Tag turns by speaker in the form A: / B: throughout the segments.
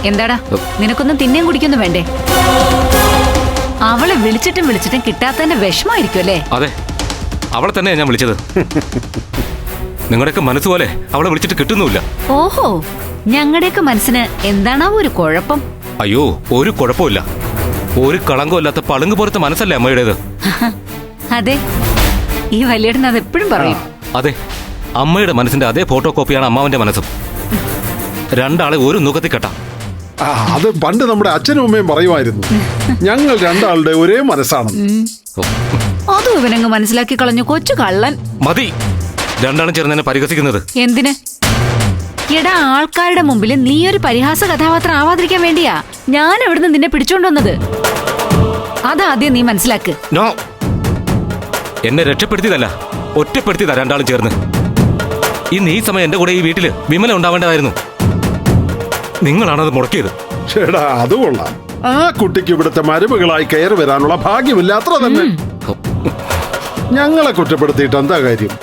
A: എന്താടാ, നിനക്കൊന്നും തിന്നേം കുടിക്കൊന്നും വേണ്ടേ? അവളെ വിളിച്ചിട്ടും കിട്ടാത്തതിന്റെ വിഷമായിരിക്കും അല്ലേ?
B: അതെ, അവളെ തന്നെയാ ഞാൻ വിളിച്ചത്. നിങ്ങളുടെയൊക്കെ മനസ്സുപോലെ അവളെ വിളിച്ചിട്ട് കിട്ടുന്നുമില്ല.
A: ഓഹോ, ഞങ്ങളുടെയൊക്കെ മനസ്സിന് എന്താണാവോ ഒരു കുഴപ്പം?
B: അയ്യോ, ഒരു കുഴപ്പമില്ല. ഒരു കളങ്കമില്ലാത്ത പളുങ്ക് പോലത്തെ മനസ്സല്ലേ അമ്മയുടേത്.
A: അതെ, ഈ വലിയേട്ടൻ അത് എപ്പോഴും പറയും.
B: അതെ, അമ്മയുടെ മനസ്സിന്റെ അതേ ഫോട്ടോ കോപ്പിയാണ് അമ്മാവന്റെ മനസ്സും. രണ്ടാളെ ഒരു നുഖത്തിൽ കെട്ടാം.
C: അത് പണ്ട് നമ്മുടെ അച്ഛനും അമ്മയും പറയുമായിരുന്നു, ഞങ്ങൾ രണ്ടാളുടെ ഒരേ മനസ്സാണ്.
A: അതും ഇവനങ്ങ് മനസ്സിലാക്കി കളഞ്ഞു, കൊച്ചു കള്ളൻ.
B: മതി, രണ്ടാളും ചേർന്ന് എന്നെ പരിഹസിക്കുന്നത്.
A: എന്തിന്? എടാ, ആൾക്കാരുടെ മുമ്പിൽ നീ ഒരു പരിഹാസ കഥാപാത്രം ആവാതിരിക്കാൻ വേണ്ടിയാ ഞാൻ എവിടുന്ന് നിന്നെ പിടിച്ചോണ്ടുവന്നത്. അതാദ്യം നീ മനസ്സിലാക്ക്.
B: നോ, എന്നെ രക്ഷപ്പെടുത്തിയതല്ല, ഒറ്റപ്പെടുത്തിയതാ രണ്ടാളും ചേർന്ന്. ഇന്ന് ഈ സമയം എന്റെ കൂടെ ഈ വീട്ടില് വിമല ഉണ്ടാവേണ്ടതായിരുന്നു. നിങ്ങളാണത് മുടക്കിയത്.
C: ചേടാ, അത് കൊള്ളാം. ആ കുട്ടിക്ക് ഇവിടുത്തെ മരുമകളായി കയറി വരാനുള്ള ഭാഗ്യമില്ല, അത്ര തന്നെ. ഞങ്ങളെ കുറ്റപ്പെടുത്തിയിട്ട് എന്താ കാര്യം?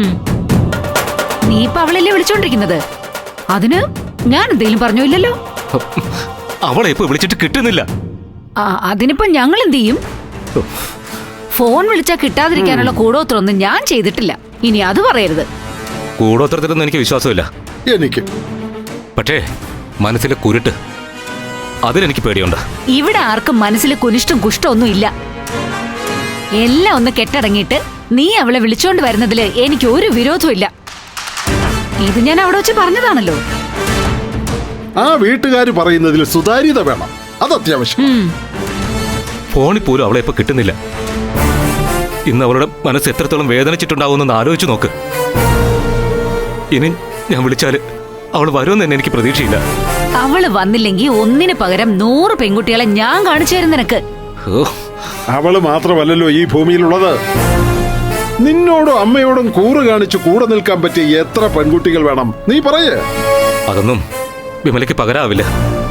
A: നീ ഇപ്പൊ അവളല്ലേ വിളിച്ചോണ്ടിരിക്കുന്നത്? അതിന് ഞാൻ എന്തെങ്കിലും പറഞ്ഞില്ലല്ലോ.
B: അവളെ ഇപ്പൊ വിളിച്ചിട്ട് കിട്ടുന്നില്ല.
A: അതിനിപ്പോ ഞങ്ങൾ എന്ത് ചെയ്യും? ഫോൺ വിളിച്ചാ കിട്ടാതിരിക്കാനുള്ള കൂടോത്രമൊന്നും ഞാൻ ചെയ്തിട്ടില്ല. ഇനി അത് പറയരുത്.
B: കൂടോത്രത്തിലൊന്നും എനിക്ക് വിശ്വാസമില്ല.
C: എനിക്ക്
B: പക്ഷേ മനസ്സിലെ കുരുട്ട്, അതിലെനിക്ക് പേടിയുണ്ട്.
A: ഇവിടെ ആർക്കും മനസ്സിൽ കുനിഷ്ടം കുഷ്ടമൊന്നും ഇല്ല. എല്ലാം ഒന്ന് കെട്ടടങ്ങിയിട്ട് നീ അവളെ വിളിച്ചോണ്ട് വരുന്നതില് എനിക്ക് ഒരു വിരോധവും ഇല്ല. ഇത് ഞാൻ അവിടെ വെച്ച് പറഞ്ഞതാണല്ലോ.
C: ആ വീട്ടുകാര് പറയുന്നതിൽ സുതാര്യത വേണം, അത് അത്യാവശ്യം.
B: ഫോണിൽ പോലും അവളെ ഇപ്പൊ കിട്ടുന്നില്ല. ഇന്ന് അവളുടെ മനസ്സ് എത്രത്തോളം വേദനിച്ചിട്ടുണ്ടാവുമെന്ന് ആലോചിച്ച് നോക്ക്. ഇനി ഞാൻ വിളിച്ചാല് അവൾ വരുമെന്ന് തന്നെ എനിക്ക് പ്രതീക്ഷയില്ല.
A: അവള് വന്നില്ലെങ്കിൽ ഒന്നിന് പകരം 100 പെൺകുട്ടികളെ ഞാൻ കാണിച്ചു തരും നിനക്ക്.
C: അവള് മാത്രമല്ലല്ലോ ഈ ഭൂമിയിലുള്ളത്. നിന്നോടും അമ്മയോടും കൂറ് കാണിച്ച് കൂടെ നിൽക്കാൻ പറ്റിയ എത്ര പെൺകുട്ടികൾ വേണം, നീ പറയേ.
B: അതൊന്നും വിമലയ്ക്ക് പകരാവില്ല.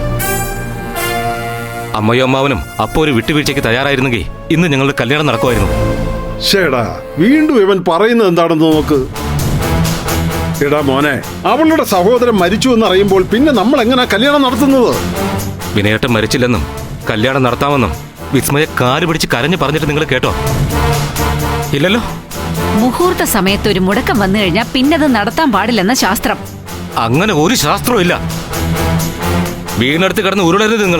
B: അമ്മയും അമ്മാവനും അപ്പോ ഒരു വിട്ടുവീഴ്ചയ്ക്ക് തയ്യാറായിരുന്നെങ്കിൽ ഇന്ന് ഞങ്ങളുടെ കല്യാണം നടക്കുമായിരുന്നു.
C: ശേടാ, വീണ്ടും ഇവൻ പറയുന്നത് എന്താണെന്ന് നോക്ക്. എടാ മോനെ, അവളുടെ സഹോദരൻ മരിച്ചു എന്നറിയുമ്പോൾ പിന്നെ നമ്മൾ എങ്ങനെയാ കല്യാണം നടത്തുന്നത്?
B: വിനയേട്ടൻ മരിച്ചില്ലെന്നും കല്യാണം നടത്താമെന്നും വിസ്മയ കാല് പിടിച്ച് കരഞ്ഞു പറഞ്ഞിട്ട് നിങ്ങൾ കേട്ടോ? ഇല്ലല്ലോ.
A: മുഹൂർത്ത സമയത്ത് ഒരു മുടക്കം വന്നു കഴിഞ്ഞാൽ പിന്നത് നടത്താൻ പാടില്ലെന്ന ശാസ്ത്രം.
B: അങ്ങനെ ഒരു ശാസ്ത്രവും ഇല്ല. വീടിനടുത്ത് കിടന്ന് ഉരുളരുത് നിങ്ങൾ.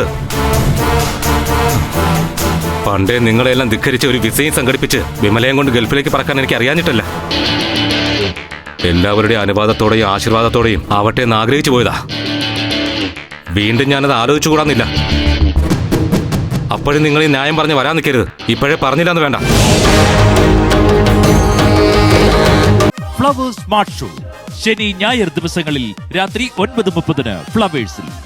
B: പണ്ടേ നിങ്ങളെല്ലാം ധിക്കരിച്ച് ഒരു വിസയും സംഘടിപ്പിച്ച് വിമലയം കൊണ്ട് ഗൾഫിലേക്ക് പറക്കാൻ എനിക്ക് അറിയാഞ്ഞിട്ടല്ല. എല്ലാവരുടെയും അനുവാദത്തോടെയും ആശീർവാദത്തോടെയും ആവട്ടെ എന്ന് ആഗ്രഹിച്ചു പോയതാ. വീണ്ടും ഞാനത് ആലോചിച്ചുകൂടാന്നില്ല. അപ്പോഴും നിങ്ങൾ ഈ ന്യായം പറഞ്ഞ് വരാൻ നിൽക്കരുത്. ഇപ്പോഴേ പറഞ്ഞില്ലെന്ന് വേണ്ട.
D: ഫ്ലവേഴ്സ് സ്മാർട്ട് ഷോ ശനി ഞായർ ദിവസങ്ങളിൽ രാത്രി 9:30 ഫ്ലവേഴ്സിൽ.